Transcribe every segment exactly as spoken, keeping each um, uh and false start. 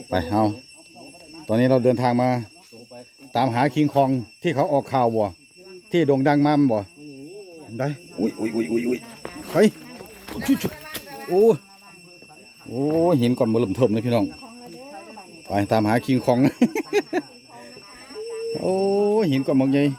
ไปเอาตอนนี้เราเดินทางมาตามหาคิงคองที่เขาออกข่าวบ่ที่โด่งดังมาบ่ได้อุ้ยอุ้ยอุ้ยอุ้ยอุ้ยเฮ้ยโอ้โอ้เห็นก่อนมาเริ่มเทิมเลยพี่น้องไปตามหาคิงคองโอ้เห็นก่อนมองใหญ่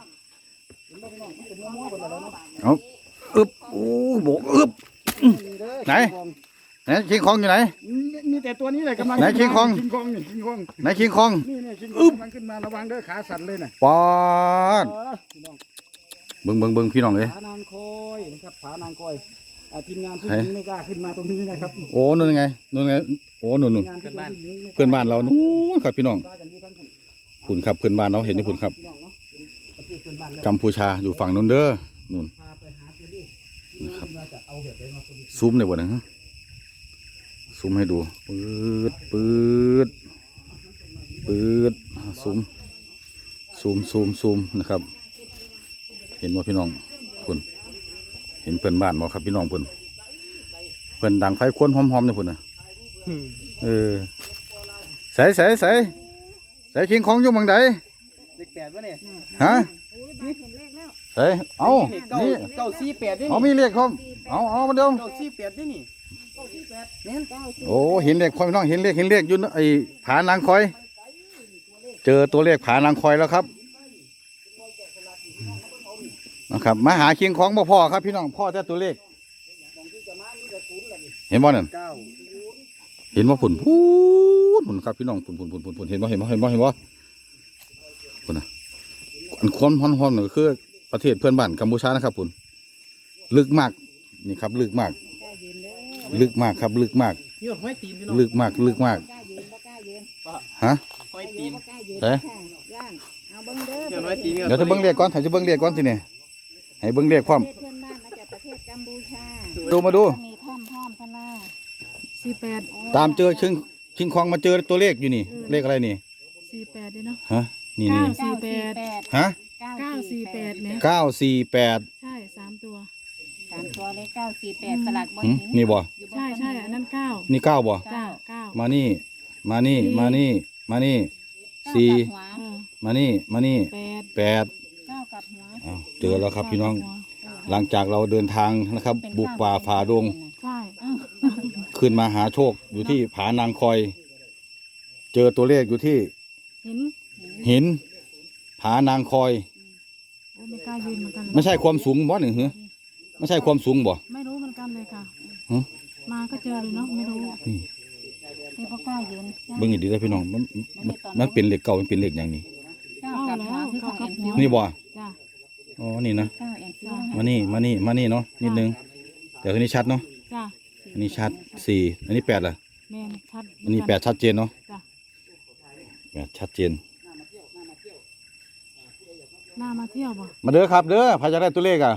เอาอึบโอ้โบกอึบไหนไหนคิงคองอยู่ไหนมีแต่ตัวนี้เลยกำลังไหนคิงคองคิงคองนี่คิงคองไหนคิงคองนี่นี่คิงคองกำลังขึ้นมาระวังเด้อขาสั่นเลยน่ะปอดเบิ้งเบิ้งเบิ้งพี่น้องเลยผานางคอยนะครับผานางคอยทีมงานผู้หญิงไม่กล้าขึ้นมาตรงนี้นะครับโอ้นู่นไงนู่นไงโอ้นู่นนู่นเพื่อนบ้านเรานู่นครับพี่น้องคุณครับเพื่อนบ้านเราเห็นไหมคุณครับกัมพูชาอยู่ฝั่งนู้นเด้อนู่นนะครับซูมในวันนั้นซูมให้ดูปืดปืดปืดซูมซูมซูมซูมนะครับเห็นว่าพี่น้องคุณเห็นเพื่อนบ้านมั้ครับพี่น้องเพื่อนเพื่อนดังไฟควนหอมๆเนี่ยเพื่อนนะเออใส่ใส่ใส่ใส่คิงของอยู่บังใดเลขแปดวะเนี่ยฮะใส่เอานี่เก้าสี่แปดนี่เอามีเลขครับเอาเอามาเดิมเก้าสี่แปดนี่นี่โอ้เห็นเลขคอยพี่น้องเห็นเลขเห็นเลขอยู่ไอ้ผานางคอยเจอตัวเลขผานางคอยแล้วครับนะครับมาหาคิงของบ่พ่อครับพี่น้องพ่อแต่ตัวเลขเห็นบ่นั่นเห็นว่าผุนพูดผุนครับพี่น้องผุนผุนผุนผุนผุนเห็นบ่เห็นบ่เห็นบ่เห็นบ่ผุนนะอันความฮอนฮอนก็คือประเทศเพื่อนบ้านกัมพูชานะครับผุนลึกมากนี่ครับลึกมากลึกมากครับลึกมากลึกมากลึกมากฮะเฮ้ยเดี๋ยวจะเบิ้งเรียกก่อนถ่ายจะเบิ้งเรียกก่อนทีนี่ให้เบิ้งเรียกความดูมาดูสี่แปดตามเจอชิงชิงคองมาเจอตัวเลขอยู่นี่เลขอะไรนี่สี่แปดด้วยเนาะฮะนี่นี่เก้าสี่แปดฮะเก้าสี่แปดเนี่ยเก้าสี่แปดใช่สามตัวสามตัวเลขเก้าสี่แปดสลักบนนี่บ่ใช่ใช่อันนั้นเก้านี่เก้าบ่เก้าเก้ามานี่มานี่มานี่มานี่สี่มานี่มานี่แปดแปดเก้ากับหัวเจอแล้วครับพี่น้องหลังจากเราเดินทางนะครับบุกป่าฝ่าดงใช่ขึ้นมาหาโชคอยู่ที่ผานางคอยเจอตัวเลขอยู่ที่หินหินผานางคอยไม่กล้ายืนเหมือนกันไม่ใช่ความสูงบ่หนึ่งเหรอไม่ใช่ความสูงบ่ไม่รู้เหมือนกันเลยค่ะมาก็เจอเลยเนาะไม่รู้นี่ไม่กล้ายืนเบิ่งอีกดีได้พี่น้องมันมันเป็นเหล็กเก่ามันเป็นเหล็กอย่างนี้นี่บ่อ๋อนี่นะมานี่มานี่มานี่เนาะนิดนึงเดี๋ยวทีนี้ชัดเนาะอันนี้ชัดสี่อันนี้แปดล่ะอันนี้แปดชัดเจนเนาะแปดชัดเจนน่ามาเที่ยวบ่มาเด้อครับเด้อพายจะได้ตัวเลขอ่ะ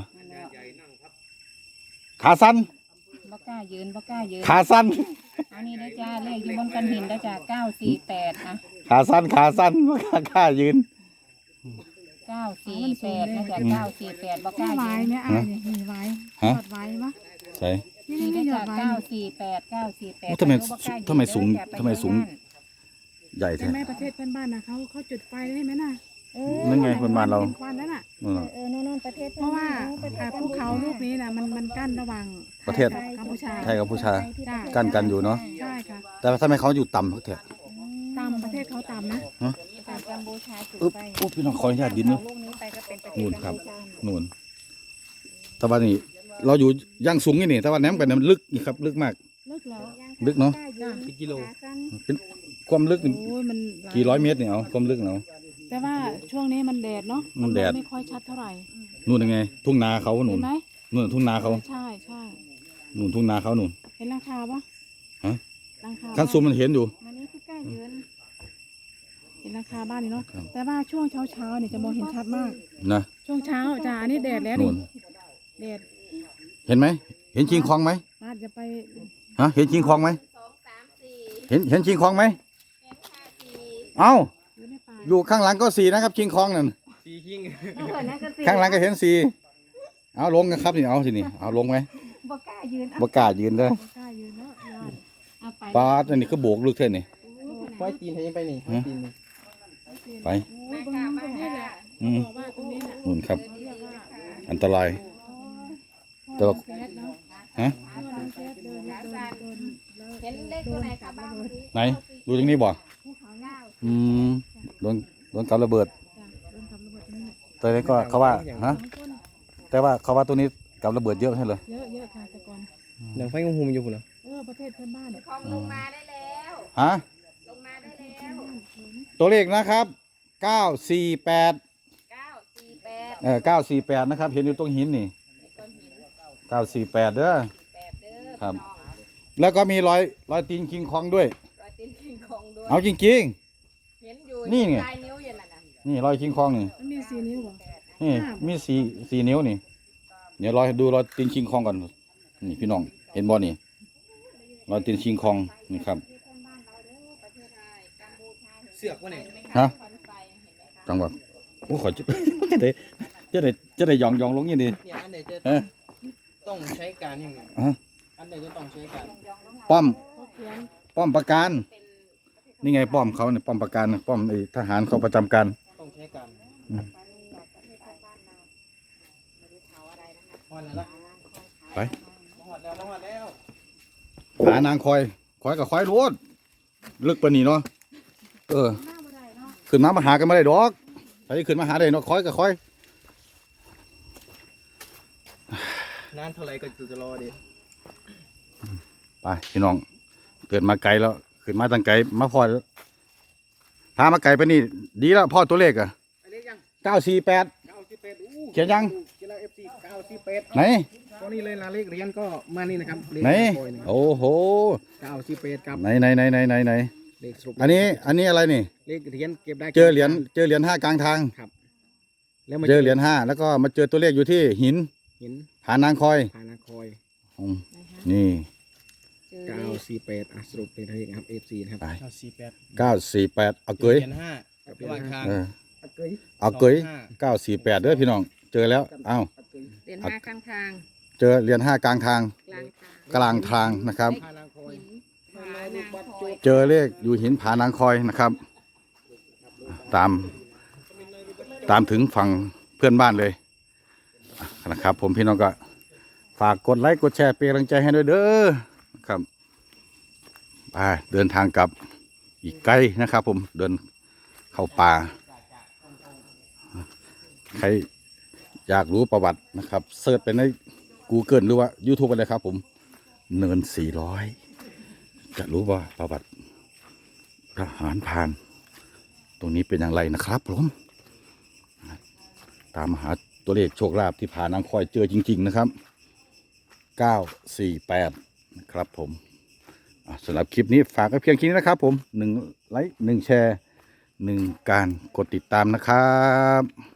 ขาสั้นบ่กล้ายืนบ่กล้ายืนขาสั้นอันนี้ได้จ้าเลขอยู่บนกันหินได้จ้าเก้าสี่แปดอ่ะขาสั้นขาสั้นบ่กล้ายืนเก้าสี่แปดนะจ้าเก้าสี่แปดบ่กล้ายืนเนี่ยอ่ะมีไว้หยอดไว้ปะใช่นี่ได้จ้าเก้าสี่แปดเก้าสี่แปดทำไมทำไมสูงทำไมสูงใหญ่แท้แม่ประเทศเพื่อนบ้านนะเขาเขาจุดไฟได้ไหมน่ะนั่นไงเพื่อนบ้านเราควันนั่นน่ะเออโน่นประเทศเพราะว่าภูเขาลูกนี้นะมันมันกั้นระหว่างประเทศกัมพูชาไทยกัมพูชากั้นกันอยู่เนาะใช่ค่ะแต่ทำไมเขาอยู่ต่ำเขาเถอะต่ำประเทศเขาต่ำนะกัมพูชาอึ๊บอุ๊บพี่น้องขออนุญาตดินเนาะนู่นครับนู่นตะวันนี้เราอยู่ย่างสูงนี่นี่ตะวันแหนมกันมันลึกนี่ครับลึกมากลึกแล้วลึกเนาะกี่กิโลเป็นความลึกกี่ร้อยเมตรเนี่ยเอาความลึกเนาะแต่ว่าช่วงนี้มันแดดเนาะมันแดดไม่ค่อยชัดเท่าไหร่นู่นยังไงทุ่งนาเขาหนุนนู่นทุ่งนาเขาใช่ใช่หนุนทุ่งนาเขาหนุนเห็นหลังคาปะฮะขั้นซูมมันเห็นอยู่มันนี่คือกล้ายืนเห็นหลังคาบ้านนี่เนาะแต่ว่าช่วงเช้าเช้าเนี่ยจะมองเห็นชัดมากนะช่วงเช้าจ้าอันนี้แดดแล้วนี่แดดเห็นไหมเห็นชิงคองไหมมาจะไปฮะเห็นชิงคองไหมเห็นเห็นชิงคองไหมเอ้าอยู่ข้างหลังก็สี่นะครับชิงคองนั่นสี่คิงข้างหลังก็เห็นสี่เอาลงกันครับนี่เอาสินี่เอาลงไหมบ่กล้ายืนบ่กล้ายืนเลยปาดอันนี้ก็โบกลึกแค่นี้เห้อยตีนให้ไปนี่ห้อยตีนนี่ไปโอ้ยบางตรงนี้แหละอืมบอกว่าตรงนี้แหละนู่นครับเรียกว่าอันตราย แต่ว่าแก๊สเนาะฮะพ่อน้องแก๊สเดินเดินเดินแล้วเห็นเลขตัวไหนคะบ้างไหนดูตรงนี้บ่ภูเขาเก้าอืมโดนโดนกับระเบิดจ้ะเดินทำระเบิดตรงนี้แต่นี้ก็เขาว่าฮะสองคนแต่ว่าเขาว่าตัวนี้กับระเบิดเยอะใช่เหรอเยอะเยอะค่ะแต่ก่อนหนังไฟงหุมอยู่พุ่นเหรอเออประเทศเพื่อนบ้านเนี่ยของลงมาได้แล้วฮะลงมาได้แล้วตัวเลขนะครับเก้าสี่แปดเก้าสี่แปดเออเก้าสี่แปดนะครับ เห็นอยู่ตรงหินนี่ต้นหินเก้าสี่แปดเด้อแปดเด้อครับน้องแล้วก็มีรอยรอยตีนคิงคองด้วยรอยตีนคิงคองด้วยเอาจริงเห็นอยู่นี่ไงลายนิ้วอย่างนั้นน่ะๆ นี่รอยคิงคองนี่มันมีสี่นิ้วเหรอนี่มีสี่สี่นิ้วนี่ เดี๋ยวรอยดูรอยตีนคิงคองก่อน นี่พี่น้อง เห็นบ่นี่ รอยตีนคิงคองนี่ครับเสือกวะเนี่ยฮะควันไฟเห็นไหมคะจังหวะโอ้ขอจะ จะได้จะได้จะได้หยองหยองลงอย่างนี้เนี่ยอันไหนจะเอ๊ะต้องใช้การยังไงฮะอันไหนจะต้องใช้การป้อมเขาเขียนป้อมประการ นี่ไงป้อมเขาเนี่ยป้อมประการป้อมไอ้ทหารเขาประจำการต้องใช้การอืมหอดแล้วละไปหอดแล้วหอดแล้วหานางคอยคอยกับคอยรวดลึกปานนี้เนาะเออหน้าบ่ได้เนาะขึ้นมามาหากันไม่ได้ดอกใครขึ้นมาหาได้เนาะคอยกับคอยนานเท่าไรก็จะรอดิไปพี่น้องเกิดมาไกลแล้วขึ้นมาตั้งไกลมาพอพามาไกลไปนี่ดีแล้วพ่อตัวเลขอะอันนี้ยังเก้าสี่แปดเก้าสิบแปดอู้เขียนยังเขียนแล้วเอฟซีเก้าสิบแปดไหนตอนนี้เลยลาเลขเรียนก็มานี่นะครับเลขไหนโอยนะครับโอ้โหเก้าสิบแปดกับไหนไหนไหนไหนไหนไหนเลขสรุปอันนี้อันนี้อะไรนี่เลขเหรียญเก็บได้เจอเหรียญเจอเหรียญห้ากลางทางแล้วมาเจอเหรียญห้าแล้วก็มาเจอตัวเลขอยู่ที่หินหินผานางคอยพานาคอยอืมนี่เจอเก้าสี่แปดอ่ะสรุปเป็นเลขนะครับเอฟซีนะครับไปเก้าสี่แปดเก้าสี่แปดเอาเกยเหรียญห้ากับระหว่างทางเอออะเกยเอาเกยสองห้าเก้าสี่แปดเด้อพี่น้อง เจอแล้วอ้าวอะเกยเดือนห้าข้างทางเจอเหรียญห้ากลางทางกลางทางกลางทางนะครับพานางคอยหินผานางคอยเจอเลขอยู่หินผานางคอยนะครับ ตาม ตามถึงฝั่งเพื่อนบ้านเลยนะครับ ผมพี่น้องก็ฝากกดไลค์กดแชร์เป็นกำลังใจให้ด้วยเด้อนะครับไปเดินทางกลับอีกไกลนะครับ ผมเดินเข้าป่า ใครอยากรู้ประวัตินะครับเสิร์ชไปใน Google หรือว่า YouTube อะไรครับ ผมเนินสี่ร้อยจะรู้ว่าประวัติทหารพราน ตรงนี้เป็นอย่างไรนะครับผมตามหาตัวเลขโชคลาภที่ผ่านนางคอยเจอจริงๆนะครับเก้าสี่แปดนะครับผมอ่ะสำหรับคลิปนี้ฝากไว้เพียงแค่นี้นะครับผมหนึ่งไลค์หนึ่งแชร์หนึ่งการกดติดตามนะครับ